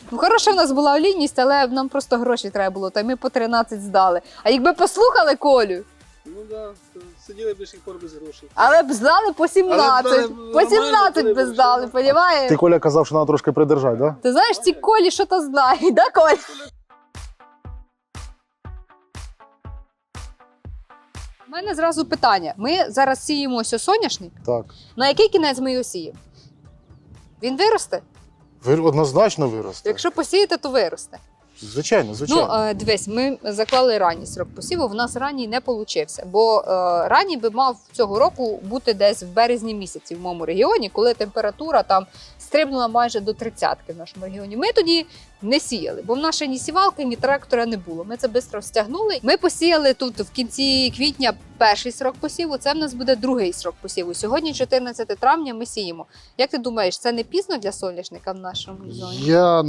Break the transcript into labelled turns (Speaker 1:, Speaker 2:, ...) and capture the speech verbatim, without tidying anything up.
Speaker 1: Ну, хороша в нас була олійність, але нам просто гроші треба було, та й ми по тринадцять здали. А якби послухали Колю,
Speaker 2: Ну так, да, сиділи б до сих пор без грошей.
Speaker 1: але б здали по сімнадцять.
Speaker 2: Але б
Speaker 1: По
Speaker 2: нормально
Speaker 1: сімнадцять
Speaker 2: були
Speaker 1: би
Speaker 2: б,
Speaker 1: здали,
Speaker 2: що?
Speaker 1: понімаєш?
Speaker 3: Ти, Коля, казав, що треба трошки придержати, да?
Speaker 1: Ти знаєш, ці Колі що-то знають, да, Коль? У мене зразу питання. Ми зараз сіємо ось соняшник.
Speaker 3: Так.
Speaker 1: На який кінець ми його сіємо? Він виросте?
Speaker 3: Вир... Однозначно виросте.
Speaker 1: Якщо посіяти, то виросте.
Speaker 3: Звичайно, звичайно.
Speaker 1: Ну, е, дивись, ми заклали ранній срок посіву, в нас ранній не получився, бо е, ранній би мав цього року бути десь в березні місяці в моєму регіоні, коли температура там стрибнула майже до тридцятки в нашому регіоні. Ми тоді не сіяли, бо в нас ще ні сівалки, ні трактора не було. Ми це швидко стягнули. Ми посіяли тут в кінці квітня перший срок посіву, це в нас буде другий срок посіву. Сьогодні, чотирнадцяте травня, ми сіємо. Як ти думаєш, це не пізно для соняшника в нашому регіоні?
Speaker 3: Я